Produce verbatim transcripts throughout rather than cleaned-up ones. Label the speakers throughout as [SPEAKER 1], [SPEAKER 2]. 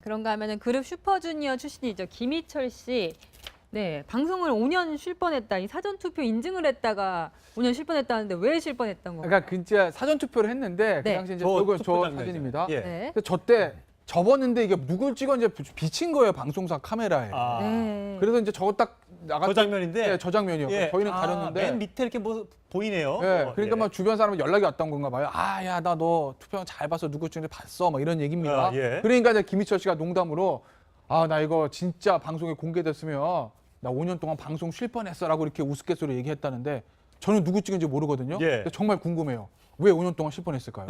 [SPEAKER 1] 그런가 하면은 그룹 슈퍼주니어 출신이죠. 김희철 씨. 네, 방송을 오 년 쉴 뻔했다. 이 사전 투표 인증을 했다가 오 년 쉴 뻔했다는데 왜 쉴 뻔했던 건가요?
[SPEAKER 2] 그러니까 진짜 사전 투표를 했는데 그
[SPEAKER 1] 네.
[SPEAKER 2] 당시 이제
[SPEAKER 3] 저
[SPEAKER 2] 저거
[SPEAKER 3] 투표
[SPEAKER 2] 저
[SPEAKER 3] 장면이죠.
[SPEAKER 2] 사진입니다.
[SPEAKER 3] 예.
[SPEAKER 1] 네.
[SPEAKER 2] 근데 저 때 접었는데 이게 누굴 찍었는지 비친 거예요, 방송사 카메라에.
[SPEAKER 3] 아,
[SPEAKER 1] 네.
[SPEAKER 2] 그래서 이제 저거 딱 나갔
[SPEAKER 3] 저 장면인데.
[SPEAKER 2] 네, 저 장면이요.
[SPEAKER 3] 예.
[SPEAKER 2] 저희는
[SPEAKER 3] 아,
[SPEAKER 2] 가렸는데.
[SPEAKER 3] 맨 밑에 이렇게 뭐 보이네요.
[SPEAKER 2] 네,
[SPEAKER 3] 어,
[SPEAKER 2] 그러니까
[SPEAKER 3] 예.
[SPEAKER 2] 막 주변 사람 연락이 왔던 건가 봐요. 아, 야, 나 너 투표 잘 봐서 누구 찍는지 봤어. 막 이런 얘기입니다.
[SPEAKER 3] 아, 예.
[SPEAKER 2] 그러니까 이제 김희철 씨가 농담으로 아, 나 이거 진짜 방송에 공개됐으면 나 오 년 동안 방송 쉴 뻔했어라고 이렇게 우스갯소리 얘기했다는데 저는 누구 찍은지 모르거든요.
[SPEAKER 3] 예.
[SPEAKER 2] 근데 정말 궁금해요. 왜 오 년 동안 쉴 뻔했을까요?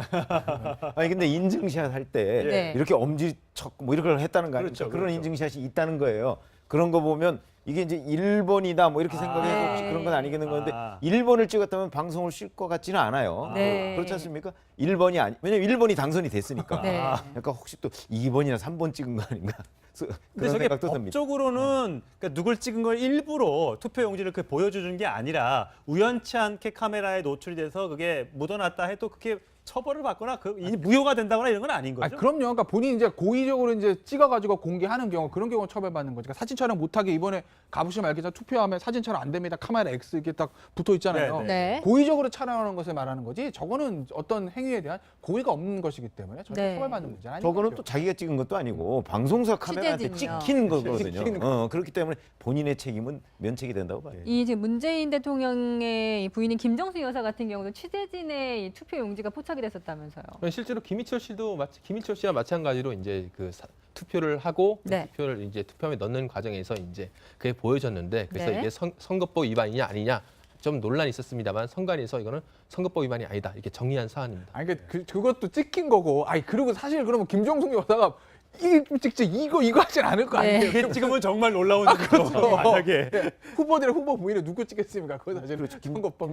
[SPEAKER 4] 아니 근데 인증샷 할 때
[SPEAKER 1] 네.
[SPEAKER 4] 이렇게 엄지척 뭐 이런 걸 했다는 거 아닙니까?
[SPEAKER 3] 그렇죠,
[SPEAKER 4] 그런
[SPEAKER 3] 그렇죠.
[SPEAKER 4] 인증샷이 있다는 거예요. 그런 거 보면 이게 이제 일 번이다 뭐 이렇게
[SPEAKER 3] 아.
[SPEAKER 4] 생각해서 혹시
[SPEAKER 1] 네.
[SPEAKER 4] 그런 건 아니겠는 건데
[SPEAKER 3] 아.
[SPEAKER 4] 일 번을 찍었다면 방송을 쉴 것 같지는 않아요.
[SPEAKER 1] 네.
[SPEAKER 4] 그렇지 않습니까? 일 번이 아니 왜냐면 일 번이 당선이 됐으니까.
[SPEAKER 1] 네.
[SPEAKER 4] 약간 혹시 또 이 번이나 삼 번 찍은 거 아닌가?
[SPEAKER 3] 근데
[SPEAKER 4] 그런
[SPEAKER 3] 저게
[SPEAKER 4] 생각도 듭니다.
[SPEAKER 3] 법적으로는 그러니까 누굴 찍은 걸 일부러 투표 용지를 그 보여주는 게 아니라 우연치 않게 카메라에 노출이 돼서 그게 묻어났다 해도 그게 처벌을 받거나 그 이 무효가 된다거나 이런 건 아닌 거죠.
[SPEAKER 2] 아, 그럼요. 그러니까 본인이 이제 고의적으로 이제 찍어가지고 공개하는 경우 그런 경우는 처벌받는 거죠. 그러니까 사진 촬영 못하게 이번에 가보시면 알겠지만 투표하면 사진 촬영 안 됩니다. 카메라 X 이렇게 딱 붙어 있잖아요.
[SPEAKER 3] 네,
[SPEAKER 1] 네.
[SPEAKER 2] 고의적으로 촬영하는 것을 말하는 거지. 저거는 어떤 행위에 대한 고의가 없는 것이기 때문에 저는
[SPEAKER 1] 네.
[SPEAKER 2] 처벌받는 문제는 아닌
[SPEAKER 4] 저거는
[SPEAKER 2] 거죠.
[SPEAKER 4] 또 자기가 찍은 것도 아니고 방송사 카메라한테
[SPEAKER 1] 취재진이요.
[SPEAKER 4] 찍힌 거거든요.
[SPEAKER 2] 찍힌
[SPEAKER 4] 어, 그렇기 때문에 본인의 책임은 면책이 된다고 봐요.
[SPEAKER 1] 이 지금 문재인 대통령의 이 부인인 김정수 여사 같은 경우도 취재진의 이 투표 용지가 포착이 됐었다면서요.
[SPEAKER 5] 실제로 김희철 씨도 마치 김희철 씨와 마찬가지로 이제 그 사, 투표를 하고 그
[SPEAKER 1] 네.
[SPEAKER 5] 투표를 이제 투표함에 넣는 과정에서 이제 그게 보여졌는데 그래서
[SPEAKER 1] 네.
[SPEAKER 5] 이게 선, 선거법 위반이냐 아니냐 좀 논란이 있었습니다만 선관위에서 이거는 선거법 위반이 아니다 이렇게 정리한 사안입니다.
[SPEAKER 2] 아니 그, 그 그것도 찍힌 거고. 아니 그리고 사실 그러면 김정숙 여사가 이 찍지 이거 이거 하진 않을 거
[SPEAKER 1] 네.
[SPEAKER 2] 아니에요.
[SPEAKER 3] 그게 찍으면 정말 놀라운 일이죠.
[SPEAKER 2] 그렇죠.
[SPEAKER 3] 만약에.
[SPEAKER 2] 네. 후보들의 후보 부인을 누구 찍겠습니까? 그거 사실
[SPEAKER 4] 그렇죠.
[SPEAKER 2] 선거법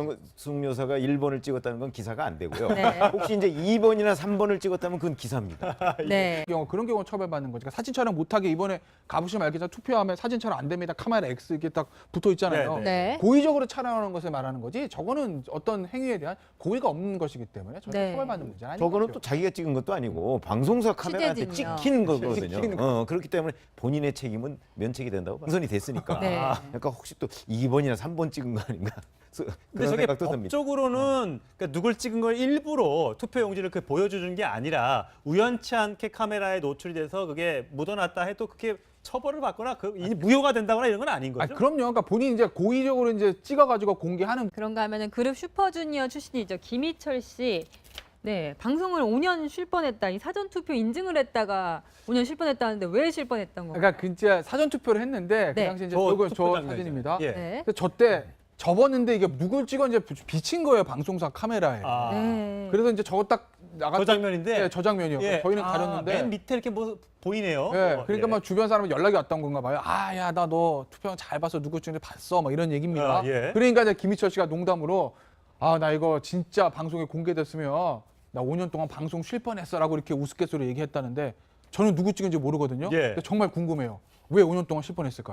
[SPEAKER 4] 김정숙 여사가 일 번을 찍었다는 건 기사가 안 되고요.
[SPEAKER 1] 네.
[SPEAKER 4] 혹시 이제 이 번이나 삼 번을 찍었다면 그건 기사입니다.
[SPEAKER 1] 네.
[SPEAKER 2] 경우 그런 경우는 처벌받는 거죠. 그러니까 사진 촬영 못하게 이번에 가보시면 알겠지만 투표하면 사진 촬영 안 됩니다. 카메라 X 이렇게 딱 붙어 있잖아요.
[SPEAKER 3] 네,
[SPEAKER 1] 네.
[SPEAKER 2] 고의적으로 촬영하는 것을 말하는 거지. 저거는 어떤 행위에 대한 고의가 없는 것이기 때문에 저는
[SPEAKER 1] 네.
[SPEAKER 2] 처벌받는 문제는 아닌
[SPEAKER 4] 저거는
[SPEAKER 2] 거죠.
[SPEAKER 4] 또 자기가 찍은 것도 아니고 방송사 카메라한테
[SPEAKER 1] 취재진이요.
[SPEAKER 4] 찍힌 거거든요.
[SPEAKER 2] 찍힌 거.
[SPEAKER 4] 어, 그렇기 때문에 본인의 책임은 면책이 된다고 봐요. 당선이 됐으니까.
[SPEAKER 1] 네.
[SPEAKER 4] 약간 혹시 또 이 번이나 삼 번 찍은 거 아닌가?
[SPEAKER 3] 근데
[SPEAKER 4] 그런
[SPEAKER 3] 저게
[SPEAKER 4] 생각도 듭니다.
[SPEAKER 3] 법적으로는 그러니까 누굴 찍은 걸 일부러 투표 용지를 그 보여주는 게 아니라 우연치 않게 카메라에 노출이 돼서 그게 묻어났다 해도 그게 처벌을 받거나 그 이 무효가 된다거나 이런 건 아닌
[SPEAKER 2] 아,
[SPEAKER 3] 거죠.
[SPEAKER 2] 그럼요. 그러니까 본인이 이제 고의적으로 이제 찍어가지고 공개하는
[SPEAKER 1] 그런가 하면은 그룹 슈퍼주니어 출신이죠. 김희철 씨. 네, 방송을 오 년 쉴 뻔했다. 이 사전 투표 인증을 했다가 오 년 쉴 뻔했다는데 왜 쉴 뻔했던 건가요?
[SPEAKER 2] 그러니까 진짜 사전 투표를 했는데 그
[SPEAKER 1] 네.
[SPEAKER 2] 당시 이제
[SPEAKER 3] 저
[SPEAKER 2] 저거
[SPEAKER 3] 투표
[SPEAKER 2] 저
[SPEAKER 3] 장면이죠.
[SPEAKER 2] 사진입니다.
[SPEAKER 3] 예.
[SPEAKER 1] 네.
[SPEAKER 2] 저 때 접었는데 이게 누굴 찍었는지 비친 거예요, 방송사 카메라에.
[SPEAKER 3] 아,
[SPEAKER 1] 네.
[SPEAKER 2] 그래서 이제 저거 딱 나갔
[SPEAKER 3] 저 장면인데.
[SPEAKER 2] 네, 저 장면이요.
[SPEAKER 3] 예.
[SPEAKER 2] 저희는
[SPEAKER 3] 아,
[SPEAKER 2] 가렸는데.
[SPEAKER 3] 맨 밑에 이렇게 뭐 보이네요.
[SPEAKER 2] 네,
[SPEAKER 3] 어,
[SPEAKER 2] 그러니까
[SPEAKER 3] 예.
[SPEAKER 2] 막 주변 사람 연락이 왔던 건가 봐요. 아, 야, 나 너 투표 잘 봐서 누구 찍는지 봤어. 막 이런 얘기입니다.
[SPEAKER 3] 아, 예.
[SPEAKER 2] 그러니까 이제 김희철 씨가 농담으로 아, 나 이거 진짜 방송에 공개됐으면 나 오 년 동안 방송 쉴 뻔했어라고 이렇게 우스갯소리 얘기했다는데 저는 누구 찍은지 모르거든요.
[SPEAKER 3] 예.
[SPEAKER 2] 근데 정말 궁금해요. 왜 오 년 동안 쉴 뻔했을까요?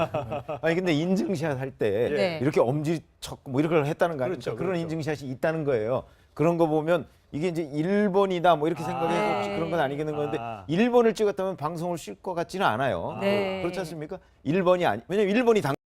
[SPEAKER 4] 아니 근데 인증샷 할 때
[SPEAKER 1] 네.
[SPEAKER 4] 이렇게 엄지척 뭐 이런 걸 했다는 거 아닙니까?
[SPEAKER 3] 그렇죠,
[SPEAKER 4] 그런
[SPEAKER 3] 그렇죠.
[SPEAKER 4] 인증샷이 있다는 거예요. 그런 거 보면 이게 이제 일 번이다 뭐 이렇게
[SPEAKER 3] 아.
[SPEAKER 4] 생각해서 혹시 그런 건 아니겠는 건데
[SPEAKER 3] 아.
[SPEAKER 4] 일 번을 찍었다면 방송을 쉴 것 같지는 않아요.
[SPEAKER 1] 네.
[SPEAKER 4] 그렇지 않습니까? 일 번이 아니 왜냐면 일 번이 당